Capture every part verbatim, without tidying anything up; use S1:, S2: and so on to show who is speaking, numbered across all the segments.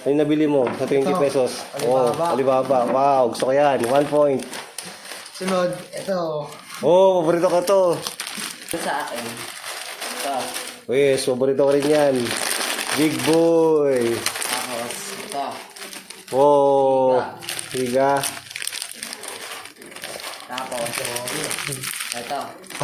S1: Ano yung nabili mo sa twenty pesos? Oo, oh, Alibaba. Wow, gusto ko yan. One point.
S2: Sunod, ito.
S1: Oo, oh, paborito ko to.
S2: Ito sa akin. Ito.
S1: Yes, paborito ko rin yan. Big boy.
S2: Tapos, ito.
S1: Oh, higa.
S2: Tapos, ito.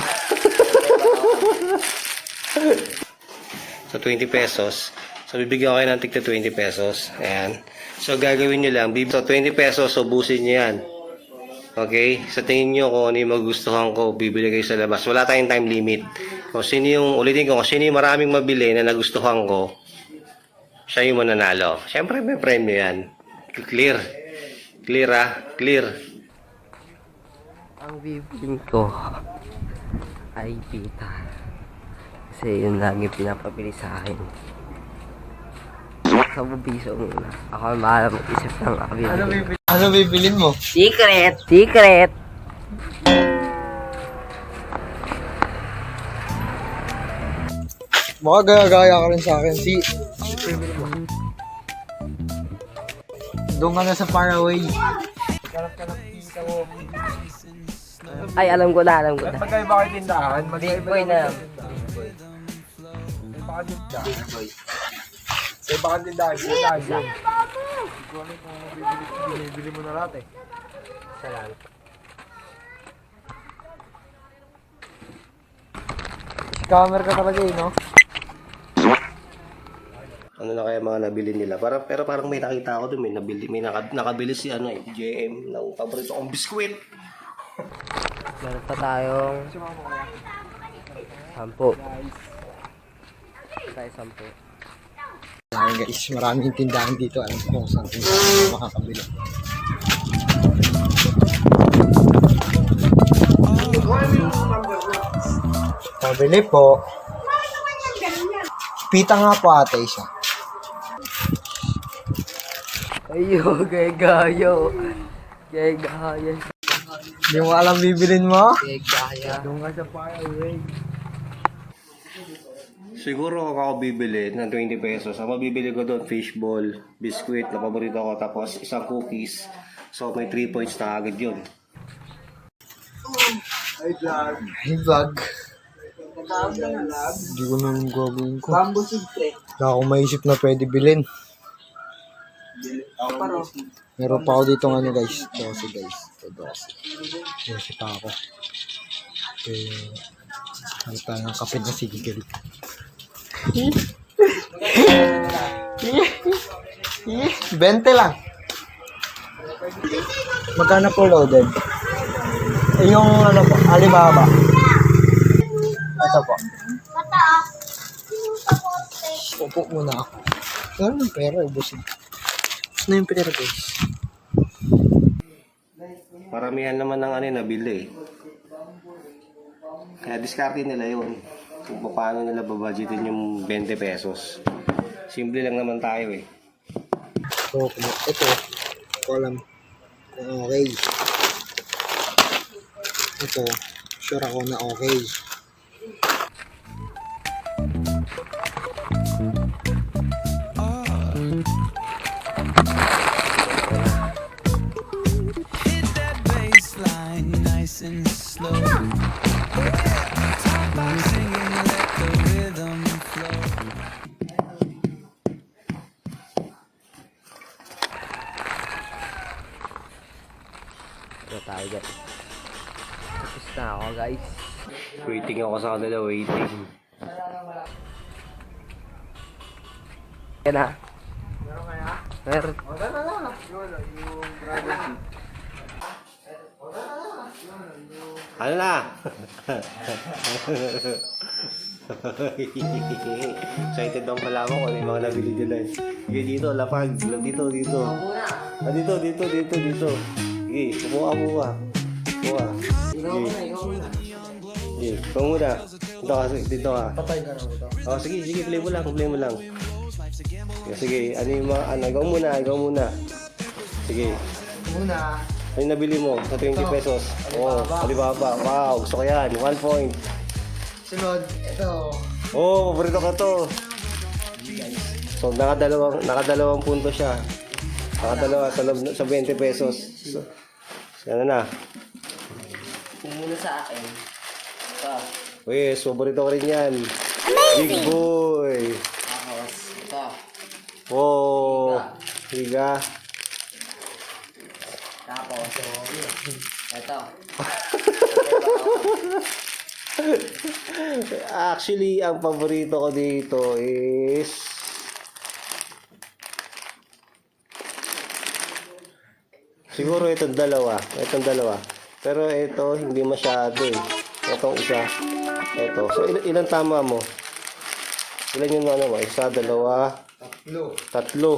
S1: So, twenty pesos. So, bibigyan ko kayo ng tigta twenty pesos. Ayan. So, gagawin nyo lang. So, twenty pesos, so busin nyo yan. Okay? Sa tingin nyo kung ano yung magustuhan ko, bibili kayo sa labas. Wala tayong time limit. Kung sino yung, ulitin ko, kung sino yung maraming mabili na nagustuhan ko, siya yung mananalo. Siyempre, may premyo yan. Clear. Clear, ah. Clear.
S3: Ang bibilin ko ay pita. Kasi yun lagi pinapabili sa akin. Sa bubiso muna. Ako ang mahala mag-isip ng ako bibili.
S2: Ano bibilin mo?
S3: Secret! Secret!
S2: Baka gaya-gaya ka rin sa akin. Si... Doon ka na sa Faraway.
S3: Ay, alam ko na, alam ko na.
S2: Magkaiba kayo tindahan.
S3: Big boy na.
S2: Big boy. Sa iba kang tindahan. Tindahan yun. Bili mo na lahat eh.
S3: Salamat.
S2: Scammer ka talaga eh, no?
S1: Ano na kaya mga nabili nila? Para, pero parang may nakita ako doon. May, nabili, may naka, nakabili si ano, eh, J M ng paborito kong biskwit.
S3: Meron pa tayong sampu. Tayo sampu.
S2: Ayan guys, maraming tindahan dito. Alam ko kung saan tindahan makakabili. Pabili po. Pita nga po ate isa.
S3: Ayo, gaya-gayo. Gaya-gaya.
S2: Hindi mo alam bibilin mo?
S3: Gaya-gaya.
S2: Doon nga sa Faraway.
S1: Siguro ako bibili ng twenty pesos. Ang mabibili ko doon, fishball, biskwit na paborito ko, tapos isang cookies. So may three points na agad yun.
S2: Hi vlog. Hi vlog. Hindi ko naman gagawin ko. Wala akong maisip na pwede bilhin. Meron pa ako dito ng ano guys. Dosi guys. Ito dosi. Dosi pa ako. Eh, ano tayo ng kape na sigigil. Bente lang. Magkano po loaded? Eh, yung ano po, Alibaba. Ito po. Upo muna ako. Wala ng pera, ubusin. Ano yung pera guys?
S1: Paramihan naman ng ano yung nabili. Kaya diskarte nila yun. Kung paano nila babudgetin yung twenty pesos. Simple lang naman tayo eh.
S2: So, ito. Ko alam kung okay. Ito. Sure ako na okay.
S4: Hit that baseline nice and slow. Top line singing, let the rhythm flow.
S3: Ito tayo guys. Tapos na ako guys.
S1: Waiting ako sa kanila, waiting.
S3: Yan na. Meron kaya? Meron.
S1: Ano na? Excited daw pala ako kung ano yung mga nabili nila eh. Sige dito, lapag. Dito, dito. Ah, dito, dito, dito, dito. Sige, kumuha, kumuha. Kumuha. Sige. Sige, ikaw muna. Dito ka, dito ka.
S2: Patay ka na ito.
S1: Oh, sige, sige, play mo lang, play mo lang. Sige, sige, ano yung mga, ano, ikaw muna, ikaw muna. Sige.
S2: Muna.
S1: Ano yung nabili mo sa twenty pesos? Oo, oh, Alibaba. Wow, gusto ko yan. One point.
S2: Sunod, ito.
S1: Oo, oh, paborito ko to. So, nakadalawang, nakadalawang punto siya. Nakadalawa sa, loob- sa twenty pesos. So, ano na?
S3: Yung muna sa akin. Ito.
S1: Uy, paborito ko rin yan. Big boy.
S3: Tapos, ito.
S1: Wow. Higa.
S3: Tapos, ito.
S1: Actually, ang paborito ko dito is siguro itong dalawa. Itong dalawa. Pero ito, hindi masyado eh. Itong isa. Ito. So, il- ilan tama mo? Ilan yung ano mo? Isa, dalawa,
S2: Tatlo.
S1: tatlo.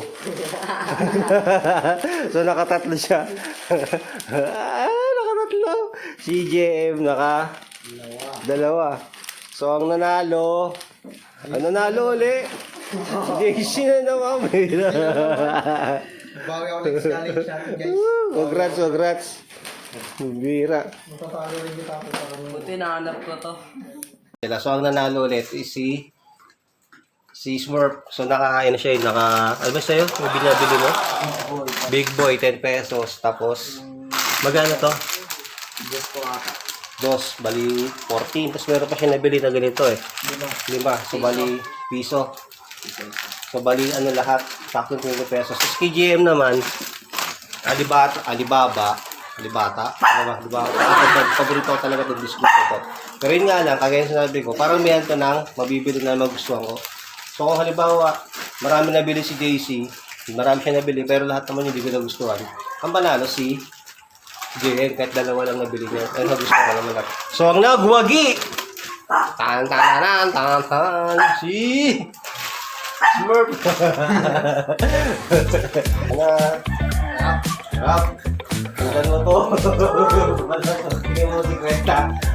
S1: So, nakatatlo siya. Ah, nakatatlo. Si J M naka dalawa. So, ang nanalo, ang nanalo uli, J C na naman.
S2: Bawi ako next challenge natin guys.
S1: Congrats, congrats. Bira.
S2: Matatalo rin kita ako sa kanila.
S3: Buti nahanap ko to.
S1: So, ang nanalo ulit is si si Smurf. So, naka, ano siya, naka, ano ba sa'yo? Yung binabili mo? Big Boy, ten pesos. Tapos, magano to?
S3: Diyos ko ata.
S1: Dos, bali fourteen. Tapos meron pa siya nabili na ganito eh. Lima. So, bali piso. So, bali ano lahat. Sakto twenty pesos. Tapos kay G M naman, Alibata, Alibaba, Alibata, ano ba? Alibaba. Ako, paborito ko talaga itong biscuit ito. Pero yun nga lang, kagaya sinabi ko, parang may to ng mabibili na magustuhan ko. So, kung halimbawa, marami nabili si J C, marami siya nabili, pero lahat naman hindi ko nagustuhan. Ang panalo si J M, kahit dalawa lang nabili niya. Ay, nagustuhan ko naman lahat. So, ang nagwagi! Tan tan tan tan tan si Smurf. Ano? Rap. Rap. Tingnan mo to. Tingnan mo si Kwenta.